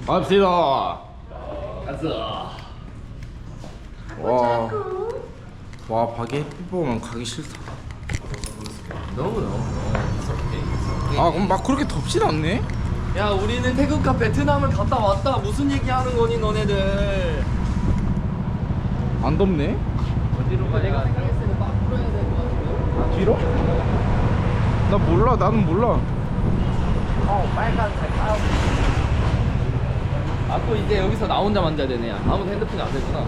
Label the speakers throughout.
Speaker 1: 갑시다.
Speaker 2: 가자.
Speaker 1: 와 밖에 햇빛 보면 가기 싫다.
Speaker 2: 너무.
Speaker 1: 아 그럼 막 그렇게 덥진 않네?
Speaker 2: 야, 우리는 태국과 베트남을 갔다 왔다. 무슨 얘기하는 거니 너네들?
Speaker 1: 안 덥네?
Speaker 2: 어디로 가? 내가 생각했을 때 밖으로 해야 될 것 같은데.
Speaker 1: 아 뒤로? 나 몰라. 나는 몰라.
Speaker 2: 빨간색. 또 이제 여기서 나 혼자 만져야 되네. 아무도 핸드폰이 안 되구나.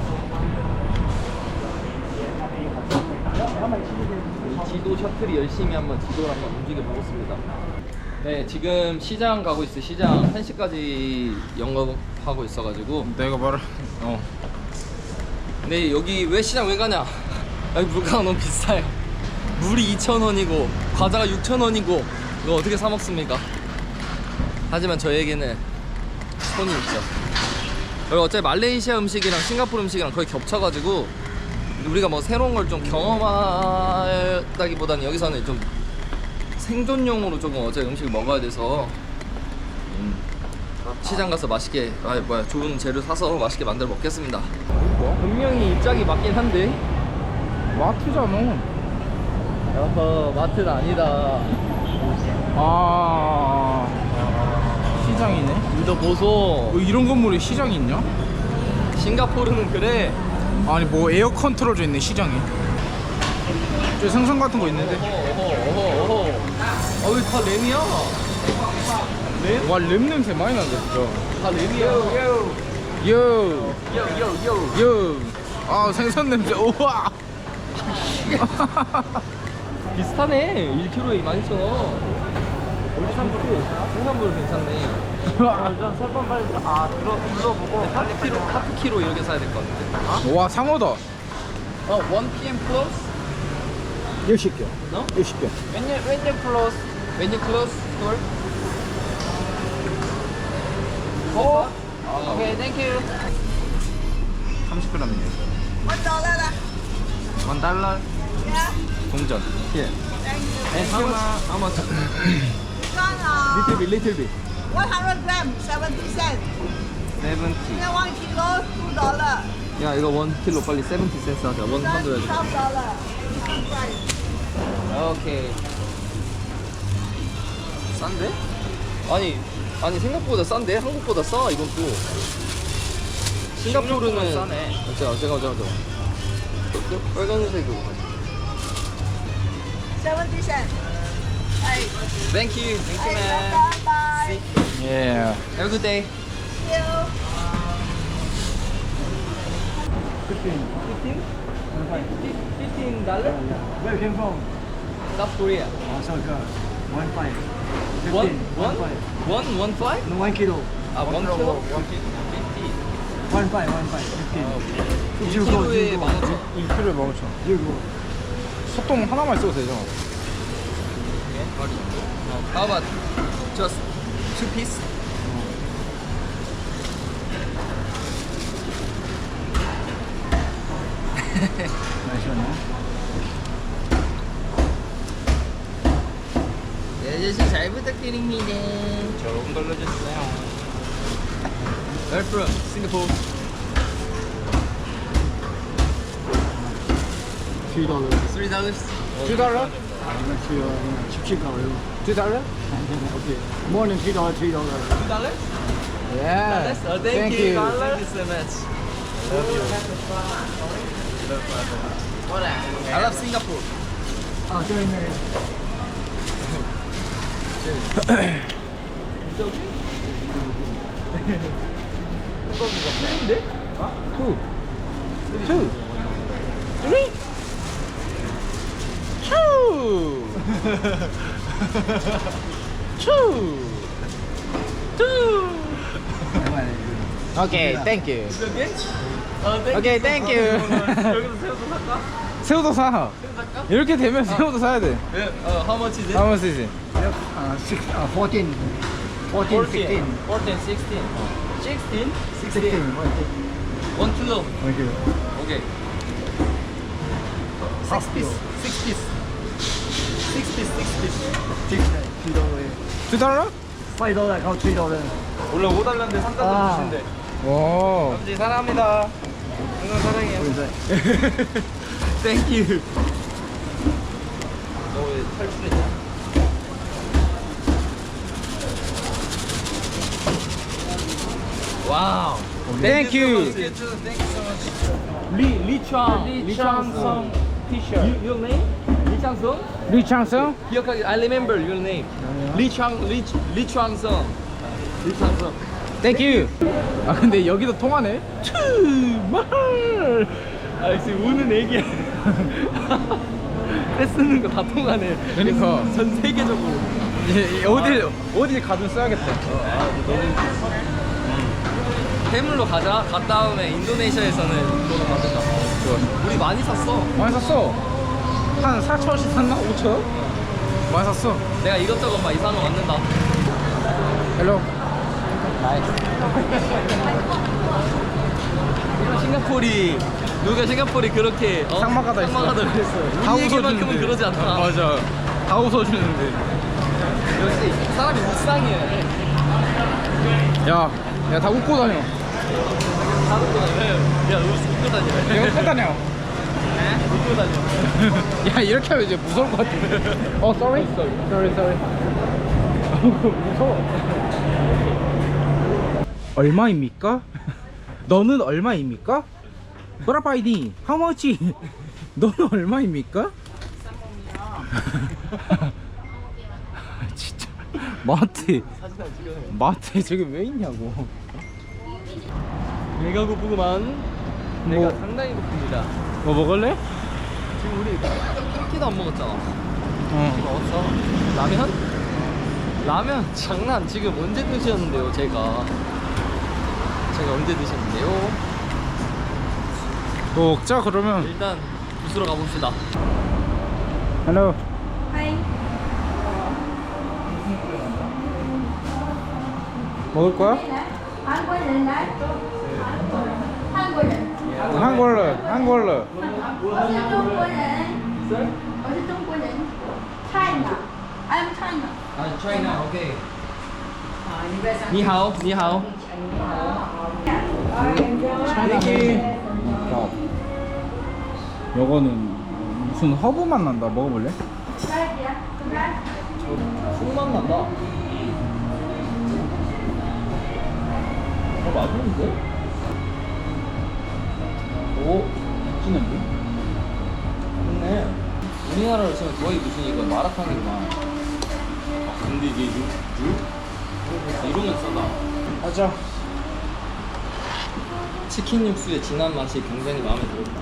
Speaker 2: 이 지도 셔틀이 열심히 한번 지도를 한번 움직여 보겠습니다. 네, 지금 시장 가고 있어요. 시장 1시까지 영업하고 있어가지고.
Speaker 1: 내가 말을
Speaker 2: 근데 여기 왜 시장 왜 가냐? 여기 물가가 너무 비싸요. 물이 2,000원이고 과자가 6,000원이고 이거 어떻게 사 먹습니까? 하지만 저에게는 손이 있죠. 여기 어차피 말레이시아 음식이랑 싱가포르 음식이랑 거의 겹쳐가지고 우리가 뭐 새로운 걸 좀 경험하다기보다는 여기서는 좀 생존용으로 조금 어차피 음식을 먹어야 돼서 시장 가서 맛있게 좋은 재료 사서 맛있게 만들어 먹겠습니다. 분명히 입장이 맞긴 한데
Speaker 1: 마트잖아.
Speaker 2: 여보, 마트는 아니다.
Speaker 1: 시장이네.
Speaker 2: 이거 보소.
Speaker 1: 이런 건물에 시장이 있냐?
Speaker 2: 싱가포르는 그래.
Speaker 1: 아니 뭐 에어 컨트롤도 있네 시장에. 저 생선 같은 거 있는데.
Speaker 2: 어허. 여기 다 램이야. 램?
Speaker 1: 와 램 냄새 많이 난다 진짜.
Speaker 2: 다 램이야.
Speaker 1: 요.
Speaker 2: 요.
Speaker 1: 아 생선 냄새. 우와.
Speaker 2: 비슷하네. 1kg에 12,000원. 생산물 괜찮네.
Speaker 3: 설번 빨리 들어보고
Speaker 2: 하프 키로 이렇게 사야 될 것 같은데.
Speaker 1: 와 상어다.
Speaker 2: 1 PM close?
Speaker 1: 60개.
Speaker 2: No?
Speaker 1: 60개.
Speaker 2: When you close? When you close store? Okay, thank you.
Speaker 1: 30g이네. $1. 동전. 예.
Speaker 2: And how much?
Speaker 1: little bit.
Speaker 3: 100 grams, 70 cents.
Speaker 1: 70.
Speaker 3: 1 kilo, $2.
Speaker 2: 야, 이거 1kg 빨리 70 cents 하자. 100.
Speaker 3: $12.
Speaker 2: 오케이. 싼데? 아니 생각보다 싼데? 한국보다 싸 이건 또. 싱가포르는 싸네. 제가 빨간색 이거.
Speaker 3: 70 cents. Hey,
Speaker 2: Thank you
Speaker 3: hey,
Speaker 2: man.
Speaker 3: welcome, bye.
Speaker 1: Yeah.
Speaker 2: Have a good day.
Speaker 3: See you.
Speaker 2: 15 dollar?
Speaker 4: Where you came from?
Speaker 2: South Korea.
Speaker 4: Osaka. 1.5.
Speaker 2: 1
Speaker 4: 15.
Speaker 2: 1
Speaker 4: No, 1 kilo.
Speaker 2: 1 kilo? 50.
Speaker 4: 1.5. 15. You go.
Speaker 2: 1kg에 15,000원.
Speaker 1: 1kg에 15,000원.
Speaker 4: You go.
Speaker 1: 소똥 하나만 써도 되죠?
Speaker 2: How about just 2 piece?
Speaker 4: Nice one, huh?
Speaker 2: 네, 아저씨 잘 부탁드립니다.
Speaker 1: 조금 돌려주세요.
Speaker 2: Where from? Singapore.
Speaker 4: $3.
Speaker 2: $3.
Speaker 1: $2?
Speaker 4: Cheap $2.
Speaker 1: $2?
Speaker 4: Okay. More than $3. $3.
Speaker 2: $2?
Speaker 1: Yeah.
Speaker 2: Thank you.
Speaker 1: Thank you.
Speaker 2: Thank you so much. I love Singapore.
Speaker 4: doing there.
Speaker 1: Two. Two. Three. Two. Two. Two. Okay, thank you. Okay, thank you.
Speaker 2: 여기서 새우도
Speaker 1: 새우도
Speaker 2: 살까?
Speaker 1: 사. 이렇게 되면 새우도 사야 돼.
Speaker 2: How much is it?
Speaker 1: How much is it?
Speaker 4: 14. 14, 16.
Speaker 2: 14, 16. 16?
Speaker 4: 16.
Speaker 2: 1 kilo.
Speaker 4: 1 kilo.
Speaker 2: Okay. 6 piece. 6 piece. 6 piece. 6 piece.
Speaker 4: $6.
Speaker 1: $2?
Speaker 4: $5. $3.
Speaker 2: 원래 5달러인데 3달러 주신대.
Speaker 1: 와.
Speaker 2: 아버지 사랑합니다. 항상 사랑해요. 땡큐. 너 왜 탈출했냐? 와우.
Speaker 1: Thank you.
Speaker 2: 리창성 티셔츠. Your name? 리창성?
Speaker 1: 리창성?
Speaker 2: 기억하기. I remember your name. 리창성.
Speaker 1: 땡큐. 아 근데 여기도 통하네. 말.
Speaker 2: 아 지금 우는 애기야. 떼쓰는 거 다 통하네.
Speaker 1: 그러니까.
Speaker 2: 전 세계적으로.
Speaker 1: 어딜 가든 써야겠다.
Speaker 2: 해물로 가자. 간 다음에 인도네시아에서는 그거로 만든다. 우리 많이 샀어.
Speaker 1: 많이 샀어. 한 4,000원씩 샀나? 5,000원? 많이 샀어.
Speaker 2: 내가 이것저것 막 이상한 거 만든다.
Speaker 1: 헬로.
Speaker 2: 싱가포르이 그렇게
Speaker 1: 상막하다 했어.
Speaker 2: 상막하다 그랬어.
Speaker 1: 다
Speaker 2: 우리 얘기만큼은
Speaker 1: 웃어주는데.
Speaker 2: 그러지 않다.
Speaker 1: 맞아. 다 웃어주는데.
Speaker 2: 역시 사람이 묵상이야.
Speaker 1: 야, 다 웃고 다녀.
Speaker 2: 다 웃고 다녀. 야, 웃고 다녀.
Speaker 1: 내가 웃고 다녀.
Speaker 2: 웃고 다녀.
Speaker 1: 야, 이렇게 하면 이제 무서울 것 같은데. sorry? Sorry. 무서워. 얼마입니까? 너는 얼마입니까? 브라바이디, how much? 너는 얼마입니까? 진짜 마트에 저게 왜 있냐고.
Speaker 2: 내가 고프구만. 내가 상당히 고픕니다.
Speaker 1: 뭐 먹을래?
Speaker 2: 지금 우리 끼도 안 먹었잖아. 지금
Speaker 1: 어.
Speaker 2: 먹었어. 라면 장난. 지금 언제 드셨는데요? 제가 언제 드셨는데요?
Speaker 1: 뭐 먹자 그러면.
Speaker 2: 일단 부스러 가봅시다.
Speaker 1: 헬로.
Speaker 3: Hi.
Speaker 1: 먹을 거야?
Speaker 3: 한국인 날? 한국인.
Speaker 1: 한 걸로.
Speaker 3: 어디中国人? China. I'm China.
Speaker 2: 아, China. 오케이. 니하오.
Speaker 1: 요거는 무슨 허브 맛 난다. 먹어볼래?
Speaker 2: 술맛 난다. 맛있는데? 오,
Speaker 1: 진한데?
Speaker 2: 좋네. 우리나라로 치면 거의 무슨 이거 마라탕이구만. 근데 이게 육? 이러면 싸다.
Speaker 1: 맞아.
Speaker 2: 치킨 육수의 진한 맛이 굉장히 마음에 들었다.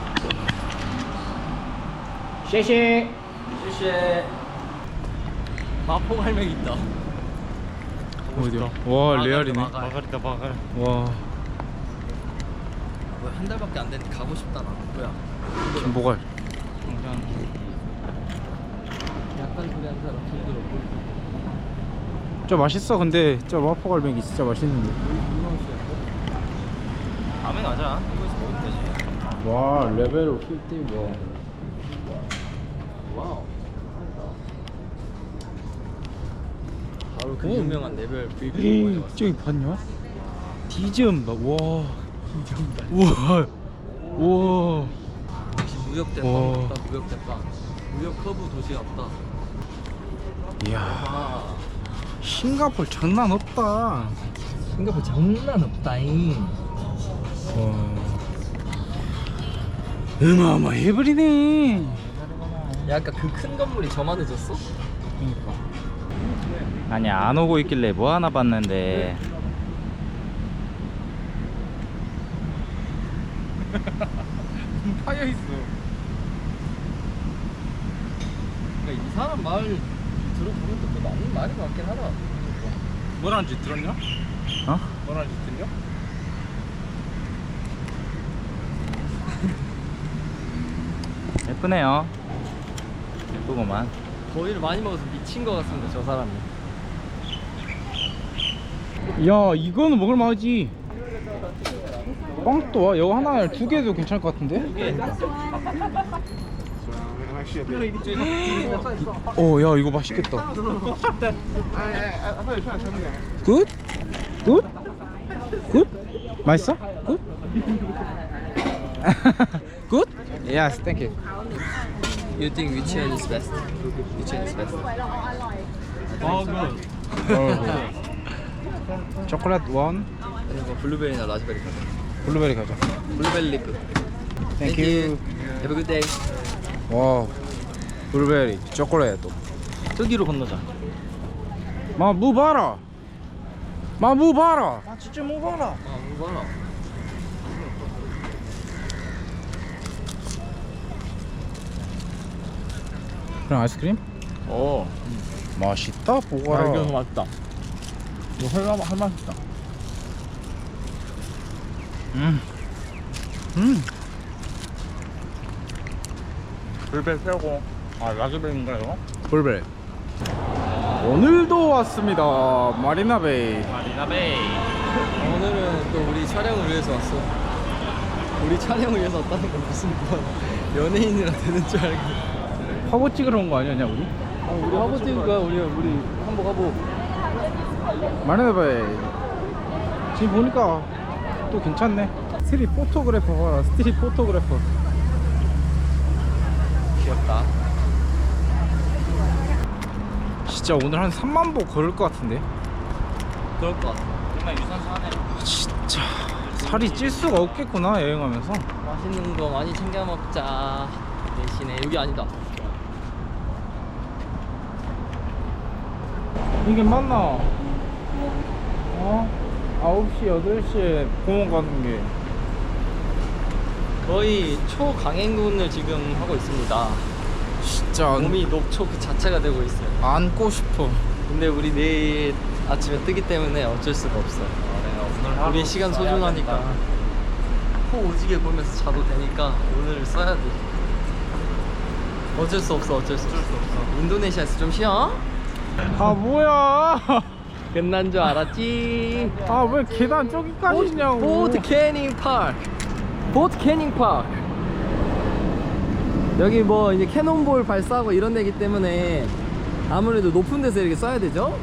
Speaker 1: 쉐쉐.
Speaker 2: 쉐쉐. 마포갈매기 있다.
Speaker 1: 어디야? 와 레알이네.
Speaker 2: 마가리다.
Speaker 1: 와.
Speaker 2: 뭐야, 한 달밖에 안 됐는데 가고 싶다 나. 뭐야?
Speaker 1: 김보갈.
Speaker 2: 약간 그래 한 사람 힘들었고.
Speaker 1: 저 맛있어. 근데 저 마포갈매기 진짜 맛있는데.
Speaker 2: 다음에 가자. 이거에서 먹으면 되지.
Speaker 1: 와 레벨 51.
Speaker 2: 와우. 바로 그
Speaker 1: 오.
Speaker 2: 유명한 레벨
Speaker 1: 에이,
Speaker 2: 빌딩.
Speaker 1: 저기 봤냐? 디즈음 봐. 와. 우와. 우와.
Speaker 2: 무역
Speaker 1: 와.
Speaker 2: 대빵 없다. 무역 대빵. 무역 커브 도시 없다.
Speaker 1: 이야.
Speaker 2: 아,
Speaker 1: 싱가포르 장난 없다.
Speaker 2: 싱가포르 장난 없다잉.
Speaker 1: 어마어마해버리네.
Speaker 2: 야, 아까 그 큰 건물이 저만해졌어?
Speaker 1: 그러니까.
Speaker 5: 아니 안 오고 있길래 뭐 하나 봤는데
Speaker 1: 파여 있어.
Speaker 2: 그러니까 이 사람 말 들어보니까 또 맞는 말이 많긴 하다.
Speaker 1: 뭐라는지 들었냐?
Speaker 5: 어?
Speaker 1: 뭐라는지 들려?
Speaker 5: 예쁘네요. 예쁘구만.
Speaker 2: 거위를 많이 먹어서 미친 것 같습니다, 저 사람이.
Speaker 1: 야 이거는 먹을만하지. 빵도 와. 이거 하나 2개도 괜찮을 것 같은데? 야 이거 맛있겠다. 굿? 굿? 맛있어? 굿? 굿? Yes, thank you.
Speaker 2: You think which one is best? Which one is best?
Speaker 1: 초콜릿 원,
Speaker 2: 아니면 블루베리나 라즈베리 가자.
Speaker 1: 블루베리 가자.
Speaker 2: 블루베리 리프.
Speaker 1: Thank you.
Speaker 2: Have a good day.
Speaker 1: 와, 블루베리, 초콜릿.
Speaker 2: 저기로 건너자.
Speaker 1: 무 봐라. 무 봐라. 아 진짜 무 봐라.
Speaker 2: 아, 뭐라?
Speaker 1: 그럼 아이스크림?
Speaker 2: 어.
Speaker 1: 맛있다 보거라.
Speaker 2: 맛있다. 이거 할 맛있다.
Speaker 5: 불배 세고. 아 라즈베리인가 이거?
Speaker 1: 블루베리. 오늘도 왔습니다. 마리나베이.
Speaker 5: 마리나베이.
Speaker 2: 오늘은 또 우리 촬영을 위해서 왔어. 우리 촬영을 위해서 왔다는 건 무슨 뭐 연예인이라 되는 줄 알고.
Speaker 1: 화보 찍으러 온 거 아니었냐 우리?
Speaker 2: 우리 화보 찍을 거야. 우리 한복 화보.
Speaker 1: 마리나베이. 지금 보니까 또 괜찮네. 스트릿 포토그래퍼 봐라. 스트릿 포토그래퍼.
Speaker 2: 귀엽다.
Speaker 1: 진짜 오늘 한 3만 보 걸을 것 같은데.
Speaker 2: 그럴 것 같아.
Speaker 5: 정말 유산소 하네.
Speaker 1: 진짜 살이 찔 수가 없겠구나 여행하면서.
Speaker 2: 맛있는 거 많이 챙겨 먹자. 대신에 여기 아니다.
Speaker 1: 이게 맞나? 어? 9시, 8시에 공원 가는 게.
Speaker 2: 거의 초강행군을 지금 하고 있습니다.
Speaker 1: 진짜
Speaker 2: 몸이 녹초 그 자체가 되고 있어요.
Speaker 1: 안고 싶어.
Speaker 2: 근데 우리 내일 아침에 뜨기 때문에 어쩔 수가 없어. 우리 시간 소중하니까 코 오지게 보면서 자도 되니까 오늘을 써야 돼. 어쩔 수 없어. 인도네시아에서 좀 쉬어?
Speaker 1: 아 뭐야?
Speaker 2: 끝난 줄 알았지.
Speaker 1: 아 왜 계단 저기까지 있냐고.
Speaker 2: 보트 캐닝 파크. 여기 뭐 이제 캐논볼 발사하고 이런 데기 때문에 아무래도 높은 데서 이렇게 쏴야 되죠?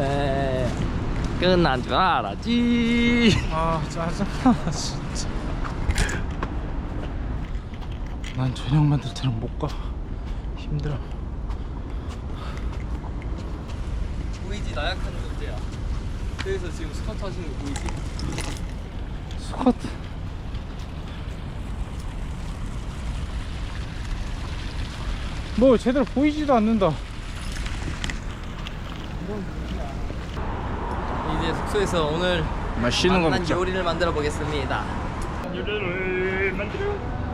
Speaker 2: 끝난 줄 알았지.
Speaker 1: 아 짜증나 진짜. 난 저녁 만들 때는 못 가. 힘들어.
Speaker 2: 보이지? 나약한 존재야. 그래서 지금 스쿼트 하시는 거 보이지?
Speaker 1: 스쿼트. 뭐 제대로 보이지도 않는다.
Speaker 2: 이제 숙소에서 오늘
Speaker 1: 맛있는 거
Speaker 2: 맛난
Speaker 1: 먹자.
Speaker 2: 요리를 만들어 보겠습니다.
Speaker 5: 요리를 만들어.